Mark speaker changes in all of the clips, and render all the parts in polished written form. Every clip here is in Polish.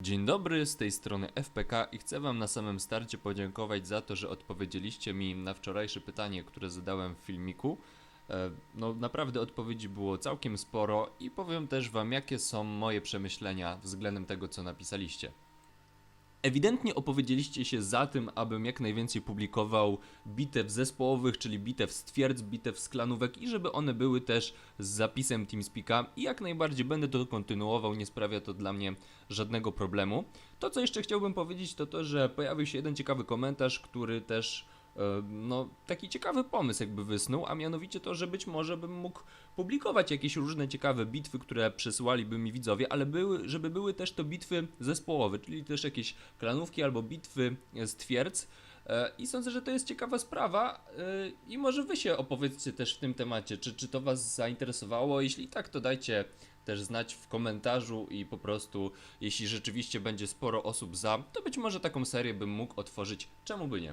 Speaker 1: Dzień dobry, z tej strony FPK i chcę wam na samym starcie podziękować za to, że odpowiedzieliście mi na wczorajsze pytanie, które zadałem w filmiku. No naprawdę odpowiedzi było całkiem sporo i powiem też wam, jakie są moje przemyślenia względem tego, co napisaliście. Ewidentnie opowiedzieliście się za tym, abym jak najwięcej publikował bitew zespołowych, czyli bitew z twierdz, bitew z klanówek i żeby one były też z zapisem TeamSpeak'a i jak najbardziej będę to kontynuował, nie sprawia to dla mnie żadnego problemu. To, co jeszcze chciałbym powiedzieć, to to, że pojawił się jeden ciekawy komentarz, który też no, taki ciekawy pomysł jakby wysnuł, a mianowicie to, że być może bym mógł publikować jakieś różne ciekawe bitwy, które przesyłaliby mi widzowie, ale żeby były też to bitwy zespołowe, czyli też jakieś klanówki albo bitwy z twierdz. I sądzę, że to jest ciekawa sprawa i może wy się opowiedzcie też w tym temacie, czy to was zainteresowało, jeśli tak, to dajcie też znać w komentarzu i po prostu, jeśli rzeczywiście będzie sporo osób za, to być może taką serię bym mógł otworzyć, czemu by nie.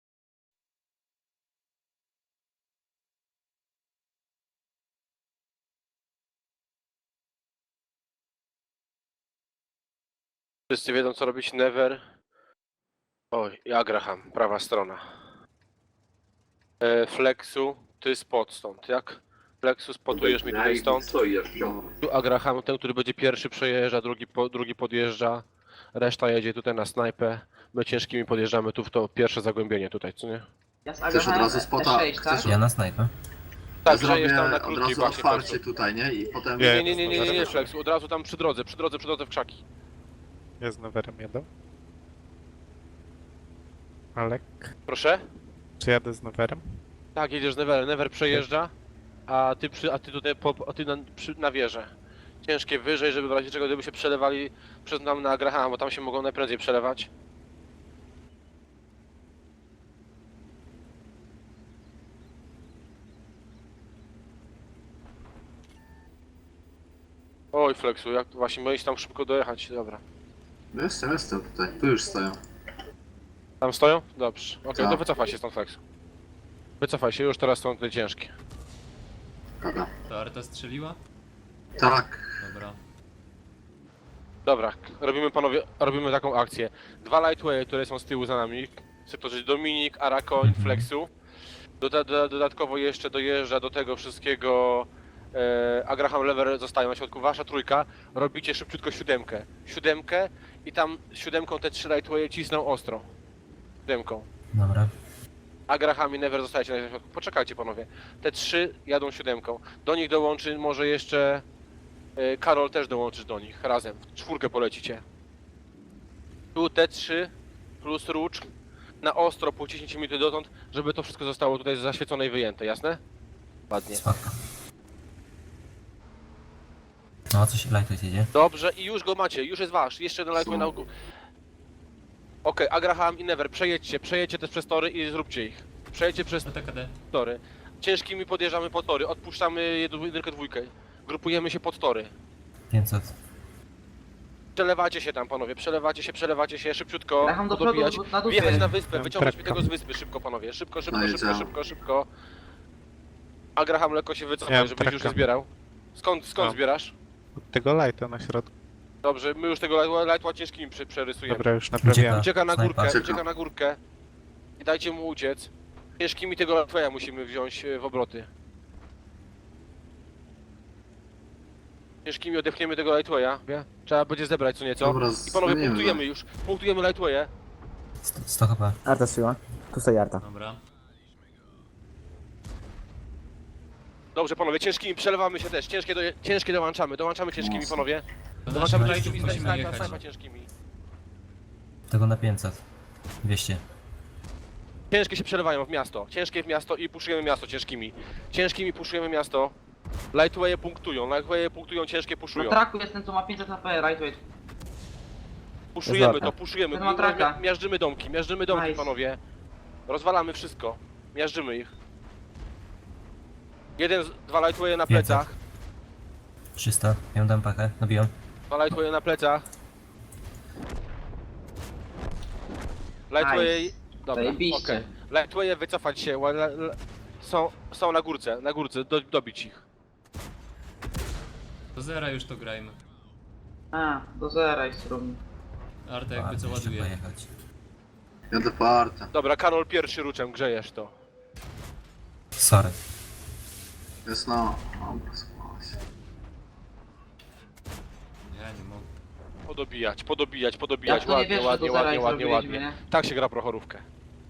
Speaker 2: Wszyscy wiedzą, co robić Never. Oj, i Agraham, prawa strona. Flexu, ty spot stąd, jak? Flexu, spotujesz mi tutaj stąd. Tu Agraham, ten, który będzie pierwszy przejeżdża, drugi podjeżdża. Reszta jedzie tutaj na snajpę. My ciężkimi podjeżdżamy tu w to pierwsze zagłębienie tutaj, co nie?
Speaker 3: Ja z
Speaker 4: Chcesz od razu spota?
Speaker 3: E6, tak?
Speaker 4: Chcesz
Speaker 5: Ja na snajpę.
Speaker 2: Tak,
Speaker 4: ja zrobię
Speaker 2: przejeżdż tam na
Speaker 4: od
Speaker 2: krótkiej
Speaker 4: razu
Speaker 2: właśnie
Speaker 4: otwarcie
Speaker 2: Flexu.
Speaker 4: tutaj, nie? I potem...
Speaker 2: Nie, Flexu, od razu tam przy drodze w krzaki.
Speaker 6: Ja z Neverem jadę. Alek,
Speaker 2: Proszę?
Speaker 6: czy jadę z Neverem?
Speaker 2: Tak, jedziesz z Neverem, Never przejeżdża, a ty tutaj na wieżę. Ciężkie wyżej, żeby w razie czego gdyby się przelewali przez nam na Agrahama, bo tam się mogą najprędzej przelewać. Oj Flexu, jak właśnie możesz tam szybko dojechać, dobra.
Speaker 4: Jestem tutaj, tu już stoją.
Speaker 2: Tam stoją? Dobrze. Okej,
Speaker 4: Tak.
Speaker 2: to wycofaj się stąd Flexu. Wycofaj się, już teraz są te ciężkie.
Speaker 4: Dobra.
Speaker 1: To Arta strzeliła?
Speaker 4: Tak.
Speaker 1: Dobra.
Speaker 2: Dobra, robimy panowie, robimy taką akcję. Dwa lightway, które są z tyłu za nami, sektorzy Dominik, Arakoń, Flexu. Dodatkowo jeszcze dojeżdża do tego wszystkiego Agraham Lever zostają na środku. Wasza trójka, robicie szybciutko siódemkę i tam siódemką te trzy lightwaye cisną ostro. Siódemką.
Speaker 5: Dobra.
Speaker 2: Agraham i Never zostajecie na środku. Poczekajcie panowie. Te trzy jadą siódemką. Do nich dołączy może jeszcze Karol też dołączysz do nich razem. W czwórkę polecicie. Tu te trzy plus Rócz na ostro po 10 minut dotąd, żeby to wszystko zostało tutaj zaświecone i wyjęte, jasne? Ładnie.
Speaker 5: Spoko. No a co się lightweight jedzie?
Speaker 2: Dobrze i już go macie, już jest wasz. Jeszcze jeden lightway na ogół. Okej, Agraham i Never, przejedźcie też przez tory i zróbcie ich. Przejedźcie przez
Speaker 1: TKD.
Speaker 2: tory. Ciężkimi podjeżdżamy po tory, odpuszczamy jedynkę, dwójkę. Grupujemy się pod tory.
Speaker 5: 500.
Speaker 2: Przelewacie się tam panowie, przelewacie się szybciutko,
Speaker 3: Graham do przodu,
Speaker 2: dobijać,
Speaker 3: na dół
Speaker 2: wjechać
Speaker 3: sobie.
Speaker 2: na wyspę,
Speaker 6: Mam
Speaker 2: wyciągnąć mi
Speaker 6: trakka.
Speaker 2: tego z wyspy szybko panowie, szybko.
Speaker 4: No i co?
Speaker 2: Agraham lekko się
Speaker 6: Ja
Speaker 2: wycofaj,
Speaker 6: mam
Speaker 2: żebyś już
Speaker 6: trakka.
Speaker 2: nie zbierał. Skąd
Speaker 6: No.
Speaker 2: zbierasz?
Speaker 6: Od tego lighta na środku.
Speaker 2: Dobrze, my już tego lightła ciężkimi przerysujemy.
Speaker 6: Dobra, już naprawiłem.
Speaker 2: Ucieka na
Speaker 5: Snajpa.
Speaker 2: górkę,
Speaker 4: Ucieka.
Speaker 2: ucieka na górkę. I dajcie mu uciec. Ciężkimi tego lightwaya musimy wziąć w obroty. Ciężkimi odepchniemy tego lightwaya, wie? Trzeba będzie zebrać co nieco.
Speaker 4: Dobra,
Speaker 2: I panowie
Speaker 4: zmienimy.
Speaker 2: punktujemy już, punktujemy lightwaye.
Speaker 5: 100 HP.
Speaker 7: Arta strzeliła. Tu stoi Arta.
Speaker 1: Dobra.
Speaker 2: Dobrze panowie, ciężkimi przelewamy się też, ciężkie dołączamy ciężkimi
Speaker 4: Mocno.
Speaker 2: panowie.
Speaker 1: Do
Speaker 2: Dołączamy
Speaker 1: naszych
Speaker 2: ciężkimi,
Speaker 1: lightów musimy
Speaker 2: snajpa
Speaker 1: jechać.
Speaker 2: ciężkimi.
Speaker 5: Tego na 500. 200.
Speaker 2: Ciężkie się przelewają w miasto, ciężkie w miasto i puszujemy miasto ciężkimi. Ciężkimi puszujemy miasto. Lightwaye punktują, ciężkie
Speaker 3: Na
Speaker 2: puszują.
Speaker 3: traku jest ten, co ma 500 HP, lightweight.
Speaker 2: Puszujemy
Speaker 7: Jest
Speaker 2: to, puszujemy.
Speaker 3: Ten ma traka.
Speaker 2: Miażdżymy domki
Speaker 3: Nice.
Speaker 2: panowie. Rozwalamy wszystko. Miażdżymy ich. Dwa lightwaye na
Speaker 5: 500.
Speaker 2: plecach.
Speaker 5: 300. Ja mu dam pachę. Nabijam.
Speaker 2: Dwa lightwaye na plecach. Lightwaye...
Speaker 3: Nice.
Speaker 2: Dobra,
Speaker 3: Zajebiście.
Speaker 2: okej. Lightwaye wycofać się. Są na górce, dobić ich.
Speaker 1: Do zera już to grajmy.
Speaker 3: A, do zera jest równy.
Speaker 1: Arta jakby co
Speaker 5: Jeszcze
Speaker 1: ładuje.
Speaker 5: pojechać.
Speaker 4: Jadę po Artę.
Speaker 2: Dobra, Karol pierwszy ruczem, grzejesz to.
Speaker 5: Sorry.
Speaker 4: Jest no. Dobra, schowała się.
Speaker 1: Ja nie mogę.
Speaker 2: Podobijać,
Speaker 3: Jak to nie
Speaker 2: ładnie,
Speaker 3: wiesz, że
Speaker 2: ładnie,
Speaker 3: do zera
Speaker 2: ładnie,
Speaker 3: ich
Speaker 2: ładnie,
Speaker 3: zrobiliśmy,
Speaker 2: ładnie.
Speaker 3: nie?
Speaker 2: Tak się gra prochorówkę.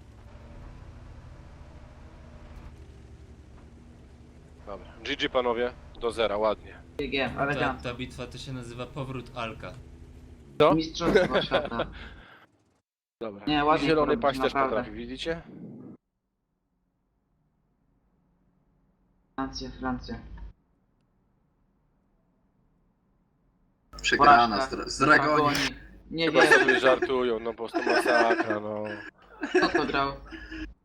Speaker 2: Dobra, GG panowie, do zera, ładnie.
Speaker 3: GG,
Speaker 1: Ta,
Speaker 3: elegancko.
Speaker 1: ta bitwa to się nazywa Powrót Alka.
Speaker 2: Co?
Speaker 3: Mistrzostwo świata.
Speaker 2: Dobra.
Speaker 3: Nie, ładnie
Speaker 2: I zielony
Speaker 3: to robisz,
Speaker 2: paść też
Speaker 3: naprawdę.
Speaker 2: potrafi, widzicie?
Speaker 3: Francja.
Speaker 4: Przegrana
Speaker 3: Porażka.
Speaker 4: z Dragoni.
Speaker 3: Nie
Speaker 2: Chyba
Speaker 3: wiem,
Speaker 2: sobie żartują, no po prostu masakra, no.
Speaker 3: kto to grał.